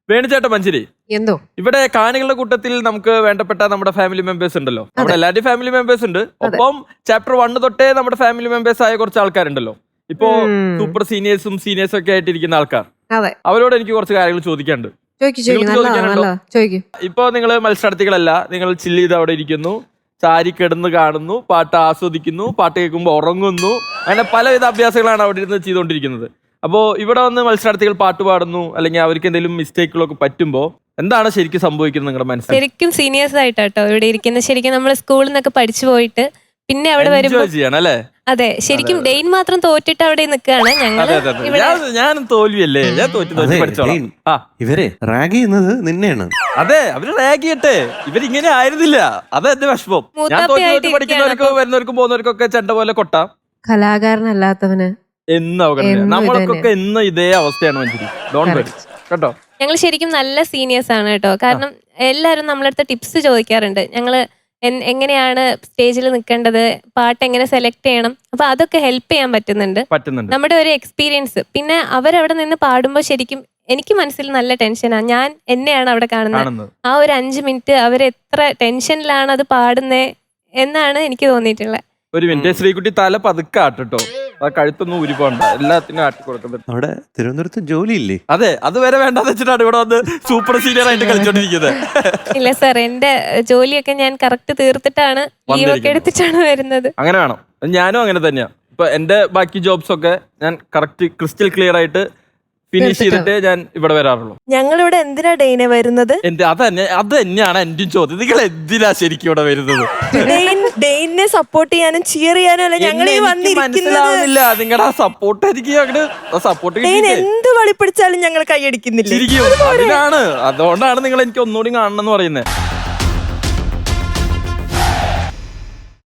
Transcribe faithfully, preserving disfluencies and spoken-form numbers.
വേണുചേട്ടൻ മഞ്ചേരി എന്തോ ഇവിടെ കാണികളുടെ കൂട്ടത്തിൽ നമുക്ക് വേണ്ടപ്പെട്ട നമ്മുടെ ഫാമിലി മെമ്പേഴ്സ് ഉണ്ടല്ലോ. നമ്മുടെ എല്ലാവരുടെയും ഫാമിലി മെമ്പേഴ്സ് ഉണ്ട്. ഒപ്പം ചാപ്റ്റർ വണ്ണ് തൊട്ടേ നമ്മുടെ ഫാമിലി മെമ്പേഴ്സ് ആയ കുറച്ച് ആൾക്കാരുണ്ടല്ലോ. ഇപ്പോ സൂപ്പർ സീനിയേഴ്സും സീനിയേഴ്സും ഒക്കെ ആയിട്ടിരിക്കുന്ന ആൾക്കാർ. അതെ, അവരോട് എനിക്ക് കുറച്ച് കാര്യങ്ങൾ ചോദിക്കാനുണ്ട്. ഇപ്പൊ നിങ്ങൾ മത്സരാർത്ഥികളല്ല, നിങ്ങൾ ചില്ല് ചെയ്ത് അവിടെ ഇരിക്കുന്നു, ചാരി കിടന്ന് കാണുന്നു, പാട്ട് ആസ്വദിക്കുന്നു, പാട്ട് കേൾക്കുമ്പോൾ ഉറങ്ങുന്നു, അങ്ങനെ പലവിധ അഭ്യാസങ്ങളാണ് അവിടെ ഇരുന്ന് ചെയ്തുകൊണ്ടിരിക്കുന്നത്. അപ്പോൾ ഇവിടെ വന്ന് മത്സരാർത്ഥികൾ പാട്ട് പാടുന്നു, അല്ലെങ്കിൽ അവർക്ക് എന്തെങ്കിലും മിസ്റ്റേക്കുകളൊക്കെ പറ്റുമ്പോൾ എന്താണ് ശരിക്കും സംഭവിക്കുന്നത് നിങ്ങളുടെ മനസ്സിൽ? ശരിക്കും സീനിയേഴ്സ് ആയിട്ടോ ഇവിടെ ഇരിക്കുന്നത്. ശരിക്കും നമ്മൾ സ്കൂളിൽ നിന്നൊക്കെ പഠിച്ചു പോയിട്ട് പിന്നെ അവിടെ വരുമ്പോൾ ചെയ്യണം അല്ലേ? അതെ, ശരിക്കും ഡെയിൻ മാത്രം തോറ്റിട്ട് അവിടെ നിൽക്കുകയാണ് ഞങ്ങള്. ഞാൻ തോൽവിയല്ലേ, ഞാൻ തോറ്റു തോറ്റി പഠിച്ചോളാം. ആ ഇവരെ റാഗ് ചെയ്യുന്നത് നിന്നെയാണ്. അതെ, അവര് റാഗ് ചെയ്യട്ടെ, ഇവരിങ്ങനെ ആയിരുന്നില്ല. അത് എന്റെ വിഷമം. ഞാൻ തോറ്റി പഠിക്കുന്നവർക്കും വരുന്നവർക്കും പോകുന്നവർക്കും ഒക്കെ ചെണ്ട പോലെ കൊട്ടാം. കലാകാരനല്ലാത്തവന് എന്ന് അവഗണന. നമ്മൾക്കൊക്കെ ഇന്ന് ഇതേ അവസ്ഥയാണ് മഞ്ചേരി. ഡോണ്ട് വരി കേട്ടോ. ഞങ്ങൾ ശരിക്കും നല്ല സീനിയേഴ്സ് ആണ് കേട്ടോ. കാരണം എല്ലാവരും നമ്മളടുത്ത് ടിപ്സ് ചോദിക്കാറുണ്ട്. ഞങ്ങള് എങ്ങനെയാണ് സ്റ്റേജിൽ നിൽക്കേണ്ടത്, പാട്ട് എങ്ങനെ സെലക്ട് ചെയ്യണം, അപ്പൊ അതൊക്കെ ഹെൽപ്പ് ചെയ്യാൻ പറ്റുന്നുണ്ട് പറ്റുന്നുണ്ട് നമ്മുടെ ഒരു എക്സ്പീരിയൻസ്. പിന്നെ അവരവിടെ നിന്ന് പാടുമ്പോൾ ശരിക്കും എനിക്ക് മനസ്സിൽ നല്ല ടെൻഷനാണ്. ഞാൻ എന്നെയാണ് അവിടെ കാണുന്നത്. ആ ഒരു അഞ്ചു മിനിറ്റ് അവരെത്ര ടെൻഷനിലാണ് അത് പാടുന്നേ എന്നാണ് എനിക്ക് തോന്നിയിട്ടുള്ളത്. ഒരു മിനിറ്റ്, ശ്രീകുട്ടി തല പതുക്കെ ആട്ടോ. ആ കഴുത്തൊന്നും ഊരിപ്പോണ്ട, എല്ലാത്തിനും ആട്ടി കൊടുക്കുന്നത്. അവിടെ തിരുവനന്തപുരത്ത് ജോലിയില്ലേ? അതെ, അതുവരെ വേണ്ടെന്ന് വെച്ചിട്ടാണ് ഇവിടെ വന്ന് സൂപ്പർ സീനിയർ ആയിട്ട് കളിച്ചോണ്ടിരിക്കുന്നത്. ഇല്ല സാർ, എന്റെ ജോലിയൊക്കെ ഞാൻ കറക്റ്റ് തീർത്തിട്ടാണ്, ലീവൊക്കെ എടുത്തിട്ടാണ് വരുന്നത്. അങ്ങനെ വേണം. ഞാനും അങ്ങനെ തന്നെയാ. ഇപ്പൊ എന്റെ ബാക്കി ജോബ്സ് ഒക്കെ ഞാൻ കറക്റ്റ് ക്രിസ്റ്റൽ ക്ലിയർ ആയിട്ട് ഫിനിഷ് ചെയ്തിട്ടേ ഞാൻ ഇവിടെ വരാറുള്ളൂ. ഞങ്ങളിവിടെ എന്തിനാ ഡെയിനെ വരുന്നത്? എന്റെ അത് തന്നെ അത് തന്നെയാണ് എന്റെ ചോദ്യം. നിങ്ങൾ എന്തിനാ ശരിക്കും ഇവിടെ വരുന്നത്? ഡെയിനെ സപ്പോർട്ട് ചെയ്യാനും ചിയർ ചെയ്യാനും അല്ല ഞങ്ങൾ ഈ മനസ്സിലാവുന്നില്ല നിങ്ങളുടെ ആ സപ്പോർട്ട്. എനിക്ക് അങ്ങനെ സപ്പോർട്ട് എന്ത് വളി പിടിച്ചാലും ഞങ്ങൾ കൈയടിക്കുന്നില്ല. ശരിക്കും അതിനാണ്, അതുകൊണ്ടാണ് നിങ്ങൾ എനിക്ക് ഒന്നുകൂടി കാണണം എന്ന് പറയുന്നത്.